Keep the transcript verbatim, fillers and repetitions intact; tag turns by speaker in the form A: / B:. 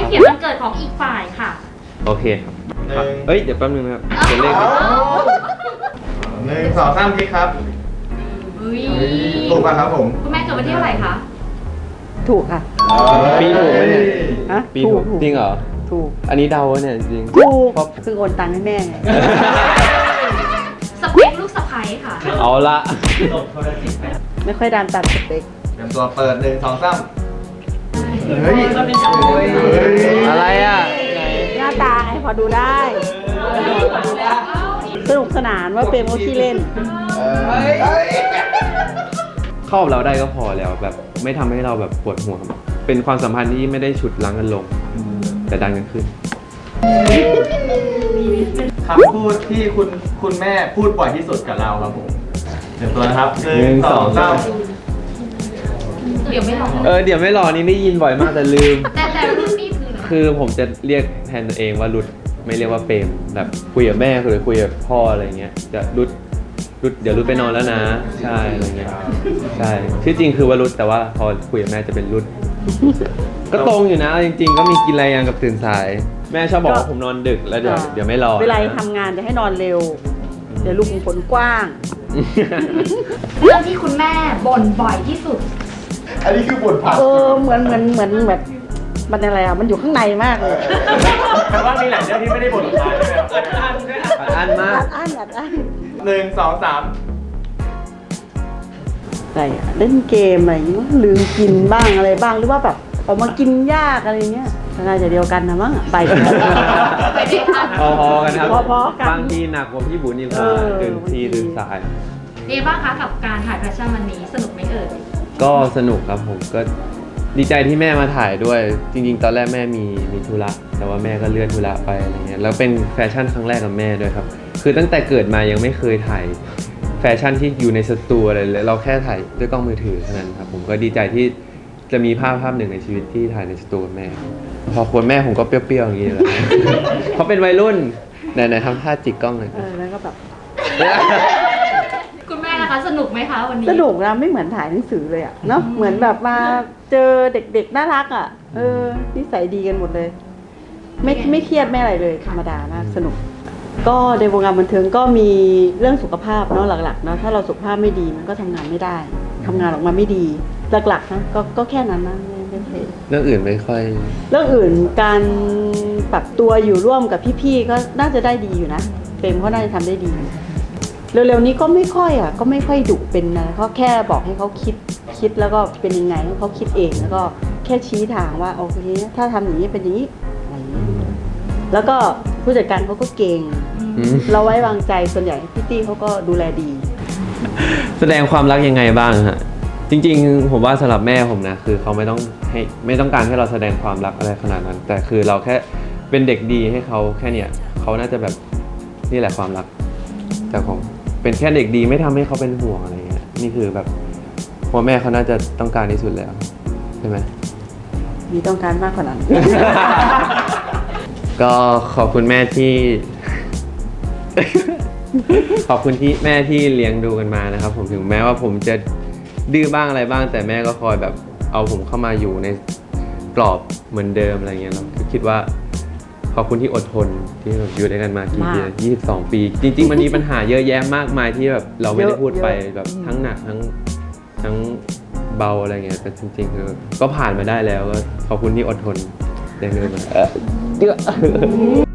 A: เขียนวันเกิดของอีกฝ่ายค่ะ
B: โอเคครับเอ้ยเดี๋ยวแป๊บนึงนะครับเขียนเลข
C: หนึ่งสองสามคลิกครับ
A: อุ้ย
C: ถูกป่ะครับผม
A: คุณแม่เกิดวันที่เท่าไหร่คะ
D: ถูกค่ะ
B: ปีถูกไหมเนี่ย
D: ฮะ
B: ปี
D: ถู
B: ถู
D: ก
B: ก
D: ถูก
B: จริงเหรอ
D: ถูก
B: อันนี้เดาเนี่ยจริง
D: ถูก
B: เพราะ
D: ซึ่งโอนตังค์ให้แม่ไง
A: สเปคลูกสะใภ้ค่ะ
B: เอาละ
D: ไม่ค่อยดามตัดสเปค
C: เตรียมตัวเปิดหนึ่งสองสามเฮ้ย
B: อะไรอ่ะ
D: หน้าตาไงพอดูได้ สนุกสนานว่าเป็นโมที่เล่น
B: เข้ากับเราได้ก็พอแล้วแบบไม่ทำให้เราแบบปวดหัว เป็นความสัมพันธ์ที่ไม่ได้ฉุดรั้งกันลง แต่ดันกันขึ้น
C: คำพูดที่คุณคุณแม่พูดบ่อยที่สุดกับเราครับผมเตรียมตัวนะครับหนึ่งสองสาม
A: เดี๋ยวไม่รอ
B: เออเดี๋ยวไม่รอนี่ได้ยินบ่อยมากแต่ลืม
A: แต่แต่รุ่นนี้คือ
B: คือผมจะเรียกแทนตัวเองว่ารุดไม่เรียกว่าเปรมแบบคุยกับแม่หรือคุยกับพ่ออะไรเงี้ยจะรุดรุดเดี๋ยวรุดไปนอนแล้วนะ ใช่อะไรเงี้ยใช่ชื่อจริงคือว่ารุดแต่ว่าพอคุยกับแม่จะเป็นรุด ก็ตรงอยู่นะจริง ๆ ก็มีกินอะไรยังกับตื่นสาย แม่ชอบบอกว่าผมนอนดึกแล้วเดี๋ยวเดี๋ยวไม่รอ
D: เวลาทำงานจะให้นอนเร็ว เดี๋ยวลูกผลกว้าง
A: เรื่องที่คุณแม่บ่นบ่อยที่สุด
C: อันนี้คือบทผัด
D: เออเหมือนเหมือนเหมือนแบบมันอะไรอ่ะมันอยู่ข้างในมากเลย
C: แปลว่ามีหลายเรื่องที่ไม่ได้บทออกมาใช่ไหมครับอัดอั้นด้วย
B: อัดอั้นมาก
D: อัดอั้นอัดอั้น
C: หนึ่งสองสาม
D: อะไรอ่ะเล่นเกมอะไรอย่างงี้มั้งลืมกินบ้างอะไรบ้างหรือว่าแบบออกมากินยากอะไรเงี้ยน่าจะเดียวกันนะมั้งไปกัน
A: ไปด้วยกัน
B: พอๆกันครับ
D: พอๆกัน
B: บางทีหนักกว่าพี่บุญอีก
D: เออ
B: ตื่นทีตื่นสาย
A: เอ๊ะบ้างคะกับการถ่ายแฟชั่นวันนี้สนุกไหมเอ่ย
B: ก็สนุกครับผมก็ดีใจที่แม่มาถ่ายด้วย จริงๆ ตอนแรกแม่มีมีธุระแต่ว่าแม่ก็เลื่อนธุระไปอะไรเงี้ยแล้วเป็นแฟชั่นครั้งแรกกับแม่ด้วยครับคือตั้งแต่เกิดมายังไม่เคยถ่ายแฟชั่นที่อยู่ในสตูอะไรเลยเราแค่ถ่ายด้วยกล้องมือถือเท่านั้นครับผมก็ดีใจที่จะมีภาพภาพหนึ่งในชีวิตที่ถ่ายในสตูกับแม่ พอควรแม่ผมก็เปรี้ยวๆอย่างนี้เลยเขาเป็นวัยรุ่นไหนๆทำท่าจิกกล้องหน่อย
D: เออแล้วก็แบบ
A: คุณแม่นะคะสนุกไหมคะวันนี้
D: สนุกนะไม่เหมือนถ่ายหนังสือเลยอ่ะเนาะเหมือนแบบมาเจอเด็กๆน่ารักอ่ะเออนิสัยดีกันหมดเลย ไม่ไม่เครียดไม่อะไรเลยธรรมดามากสนุก ก็ในวงการบันเทิงก็มีเรื่องสุขภาพเนาะหลักๆเนาะถ้าเราสุขภาพไม่ดีมันก็ทำงานไม่ได้ทำงานออกมาไม่ดีหลักๆนะก็ก็แค่นั้นนะไม่ไม่ใช่
B: เรื่องอื่นไม่ค่อย
D: เรื่องอื่นการปรับตัวอยู่ร่วมกับพี่ๆก็น่าจะได้ดีอยู่นะเฟรมเขาน่าจะทำได้ดี เร็วๆนี้ก็ไม่ค่อยอ่ะก็ไม่ค่อยดุเป็นนะเขาแค่บอกให้เขาคิดคิดแล้วก็เป็นยังไงให้เขาคิดเองแล้วก็แค่ชี้ทางว่าโอเคถ้าทำอย่างนี้เป็นอย่างนี้อะไรอย่างนี้แล้วก็ผู้จัดการเขาก็เก่ง
B: อืม
D: เราไว้วางใจส่วนใหญ่พี่ตี้เขาก็ดูแลดี
B: แสดงความรักยังไงบ้างฮะจริงๆผมว่าสำหรับแม่ผมนะคือเขาไม่ต้องให้ไม่ต้องการให้เราแสดงความรักอะไรขนาดนั้น แต่คือเราแค่เป็นเด็กดีให้เขาแค่เนี้ยเขาน่าจะแบบนี่แหละความรักแต่ผมเป็นแค่เด็กดีไม่ทำให้เขาเป็นห่วงอะไรเงี้ยนี่คือแบบพ่อแม่เขาน่าจะต้องการที่สุดแล้วใช่ไหม
D: มีต้องการมากกว่านั้น
B: ก็ขอบคุณแม่ที่ ขอบคุณที่แม่ที่เลี้ยงดูกันมานะครับผมถึงแม้ว่าผมจะดื้อบ้างอะไรบ้าง แต่แม่ก็คอยแบบเอาผมเข้ามาอยู่ในกรอบเหมือนเดิมอะไรเงี้ยเราคิดว่าขอบคุณที่อดทนที่แบบอยู่ด้วยกันมากี่ปี
D: มาก
B: ยี่สิบสองปี จริง ๆ มันมีปัญหาเยอะแยะมากมายที่แบบเราไม่ได้พูดไป
D: เยอะ
B: แบบทั้งหนักทั้งทั้งเบาอะไรเงี้ยแต่จริงๆคือก็ผ่านมาได้แล้วก็ขอบคุณที่อดทนเลี้ยงดูมาเออ